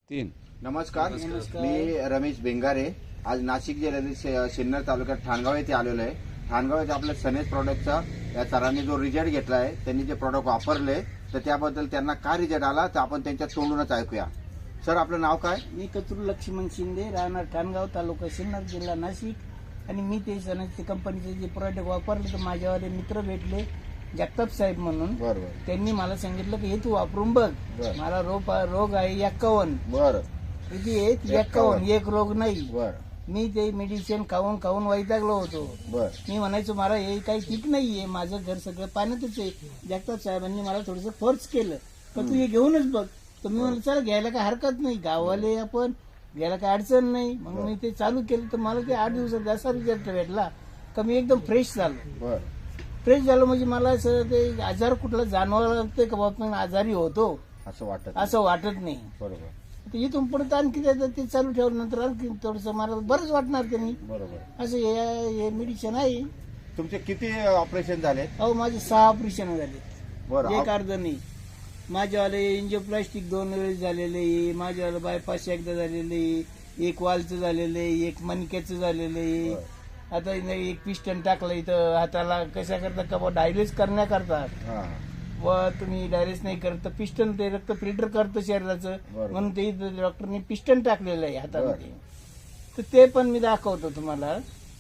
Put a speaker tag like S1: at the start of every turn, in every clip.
S1: तीन.
S2: नमस्कार. मी रमेश बेंगारे. आज नाशिक जिल्ह्यातील सिन्नर तालुक्यात ठाणगाव येथे आलेलो आहे. ठाणगाव येथे आपल्या सनेज प्रोडक्टचा या सरांनी जो रिझल्ट घेतला आहे, त्यांनी जे प्रोडक्ट वापरले तर त्याबद्दल त्यांना काय रिझल्ट आला तर आपण त्यांच्या तोंडूनच ऐकूया. सर, आपलं नाव काय?
S3: मी कचरू लक्ष्मण शिंदे, राहणार ठाणगाव, तालुका सिन्नर, जिल्हा नाशिक. आणि मी ते सनेज कंपनीचे जे प्रोडक्ट वापरले तर माझ्यावाले मित्र भेटले जगताप साहेब म्हणून.
S2: बरोबर.
S3: त्यांनी मला सांगितलं की हे तू वापरून बघ.
S2: बरं.
S3: मला रोग आहे 51.
S2: बरं
S3: किती आहे? 51. एक रोग नाही.
S2: बरं
S3: मी ते मेडिसिन खाऊन खाऊन वैतागलो होतो.
S2: बरं
S3: मी म्हणायचो मला हे काही ठीक नाहीये, माझं घर सगळं पाण्यातच आहे. जगताप साहेबांनी मला थोडंसं फोर्स केलं तर तू हे घेऊनच बघ. तर मी म्हणलं चला घ्यायला काय हरकत नाही, गावाले आपण घ्यायला काय अडचण नाही. मग मी ते चालू केलं तर मला ते 8 दिवसात असा रिझल्ट भेटला का मी एकदम फ्रेश झालो.
S2: बरं
S3: फ्रेश झालो म्हणजे मला असं ते आजार कुठला जाणवायला लागतोय का बाबा मी आजारी होतो असं वाटत नाही.
S2: बरोबर.
S3: तर इथून पुढे आणखी ते चालू ठेवल्यानंतर आणखी थोडंसं मला बरंच वाटणार त्यांनी.
S2: बरोबर.
S3: असं हे मेडिसिन आहे.
S2: तुमचे किती ऑपरेशन झाले?
S3: अहो माझे 6 ऑपरेशन झाले.
S2: बरं.
S3: एक अर्ध नाही. माझ्यावाले एंजिओप्लास्टिक 2 वेळेस झालेले, माझ्यावाले बायपास एकदा झालेले, एक वालचं झालेले, एक मणक्याचं झालेले. आता एक पिस्टन टाकलं इथं हाताला कशा करता का डायलिस करण्याकरता.
S2: हां.
S3: व तुम्ही डायलिस नाही करत तर पिस्टन ते रक्त फिल्टर करतं शरीराचं,
S2: बरोबर.
S3: म्हणून ते डॉक्टरने पिस्टन टाकलेलं आहे हातामध्ये. तर ते पण मी दाखवतो तुम्हाला.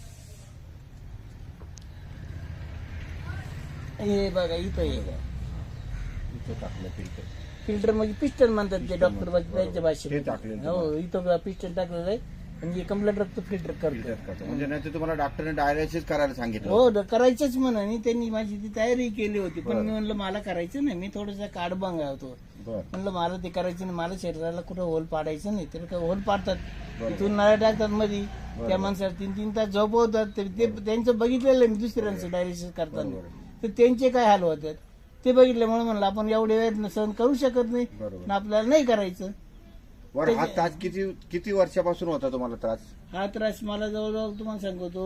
S3: हे बघा इथं हे बघा.
S2: इथं टाकलं फिल्टर.
S3: फिल्टर म्हणजे पिस्टन म्हणतात ते डॉक्टर त्यांच्या
S2: ते
S3: भाषेत.
S2: टाकलेलं
S3: हो इथं पिस्टन टाकलेलं आहे म्हणजे कंप्लीट रक्त फिल्टर करतो.
S2: म्हणजे नाही तर तुम्हाला डॉक्टरने डायलिसिस करायला सांगितलं.
S3: हो करायचंच म्हणून त्यांनी माझी ती तयारी केली होती. पण मी म्हणलं मला करायचं नाही, मी थोडंसं काड बंगा होतो.
S2: बरं.
S3: म्हणलं मला ते करायचं नाही, मला शरीराला कुठं होल पाडायचं नाही. तर होल पाडतात, तिथून नळ्या टाकतात मध्ये, त्या माणसाला 3-3 तास झोपवतात. ते त्यांचं बघितलेलं मी दुसऱ्यांचं डायलिसिस करताना. तर त्यांचे काय हाल होतात ते बघितल्यामुळे म्हणलं आपण एवढे वेळ सहन करू शकत नाही, आपल्याला नाही करायचं.
S2: बरं. हा त्रास किती वर्षापासून होता तुम्हाला त्रास?
S3: हा त्रास मला जवळजवळ तुम्हाला सांगतो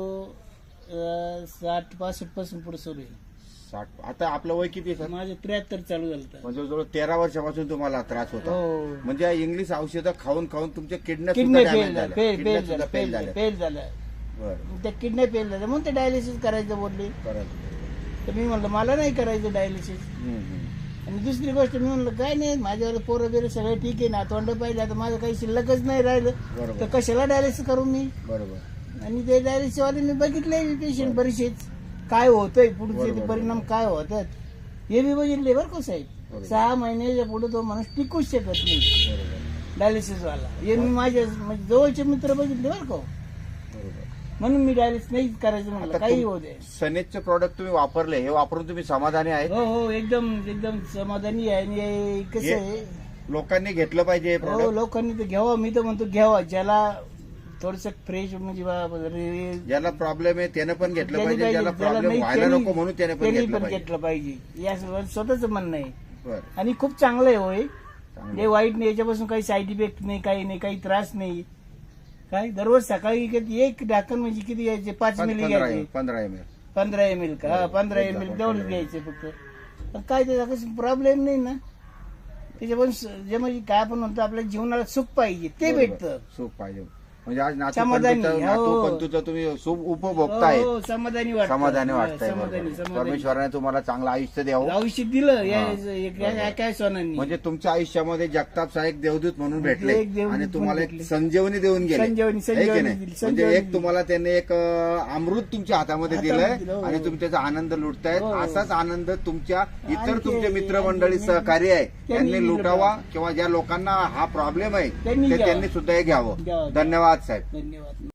S3: 60-65 पासून पुढे सुरू आहे.
S2: 60. आता आपलं वय किती आहे सर?
S3: माझं 73 चालू झालं.
S2: म्हणजे जवळ 13 वर्षापासून तुम्हाला त्रास होता.
S3: हो.
S2: म्हणजे इंग्लिश औषधं खाऊन खाऊन तुमच्या किडन्या
S3: किडनी
S2: फेल झाल्या.
S3: फेल झाल्या.
S2: बरं.
S3: त्या किडनी फेल झाल्या म्हणून ते डायलिसिस करायचं बोलले. तर मी म्हणलं मला नाही करायचं डायलिसिस. आणि दुसरी गोष्ट मी म्हणलं काय नाही, माझ्यावर पोरं बिरं सगळं ठीक आहे ना, तोंड पाहिजे, आता माझं काही शिल्लकच नाही राहिलं तर कशाला डायलिसिस करू मी.
S2: बरोबर.
S3: आणि ते डायलिसिस वाले मी बघितले पेशंट बरेचसेच काय होतंय पुढचे परिणाम काय होतात हे मी बघितले बरं का साहेब. 6 महिन्याच्या पुढे तो माणूस टिकूच शकत नाही डायलिसिस वाला. हे मी माझ्या जवळचे मित्र बघितले बरं का, म्हणून मी डायलिसिस नाही करायचं म्हणलं काही होऊ दे.
S2: सनेजचे प्रोडक्ट तुम्ही वापरले, हे वापरून तुम्ही समाधानी आहे?
S3: हो एकदम समाधानी आहे. आणि कसं आहे
S2: लोकांनी घेतलं पाहिजे हे
S3: हो,
S2: प्रोडक्ट.
S3: लोकांनी तर घ्यावं. मी तर म्हणतो घ्यावा. ज्याला थोडस फ्रेश म्हणजे
S2: ज्याला प्रॉब्लेम आहे त्यानं पण घेतलं पाहिजे, ज्याला प्रॉब्लेम व्हायला नको म्हणून त्याने पण
S3: घेतलं पाहिजे. या स्वतःच म्हणणं आहे.
S2: बरं.
S3: आणि खूप चांगलं आहे होय. हे वाईट नाही, याच्यापासून काही साईड इफेक्ट नाही, काही नाही, काही त्रास नाही. काय दररोज सकाळी एक ढाकण म्हणजे किती घ्यायचे? 5 मिली घ्यायचे.
S2: 15 ml.
S3: 15 ml का? 15 ml तेवढंच घ्यायचे फक्त. पण काय त्याचा कसं प्रॉब्लेम नाही ना त्याच्यापासून. जे म्हणजे काय आपण म्हणतो आपल्या जीवनाला सुख पाहिजे ते भेटतं.
S2: सुख पाहिजे म्हणजे आज
S3: समाधानी.
S2: नातू तुम्ही सुख उपभोगताय,
S3: हो, समाधानी
S2: वाटतंय.
S3: समाधानी.
S2: परमेश्वराने तुम्हाला चांगलं आयुष्य द्यावं.
S3: आयुष्य दिलं काय सोनांनी.
S2: म्हणजे तुमच्या आयुष्यामध्ये जगताप साहेब देवदूत म्हणून भेटले
S3: एक देवदूत
S2: आणि तुम्हाला एक
S3: भेटले.
S2: संजीवनी देऊन गेले.
S3: संजीवनी
S2: है की नाही?
S3: दिली.
S2: म्हणजे एक तुम्हाला त्यांनी एक अमृत तुमच्या हातामध्ये दिलंय
S3: दिलं, हो.
S2: आणि तुम्ही त्याचा आनंद लुटतायत.
S3: हो.
S2: असाच आनंद तुमच्या इतर
S3: आणखी-
S2: तुमचे मित्रमंडळी सहकारी आहे
S3: त्यांनी
S2: त्यांनी लुटावा, किंवा ज्या लोकांना हा प्रॉब्लेम आहे
S3: त्यांनी
S2: ते
S3: घ्यावा.
S2: त्यांनी सुद्धा हे घ्यावं.
S3: घ्यावं.
S2: धन्यवाद साहेब.
S3: धन्यवाद.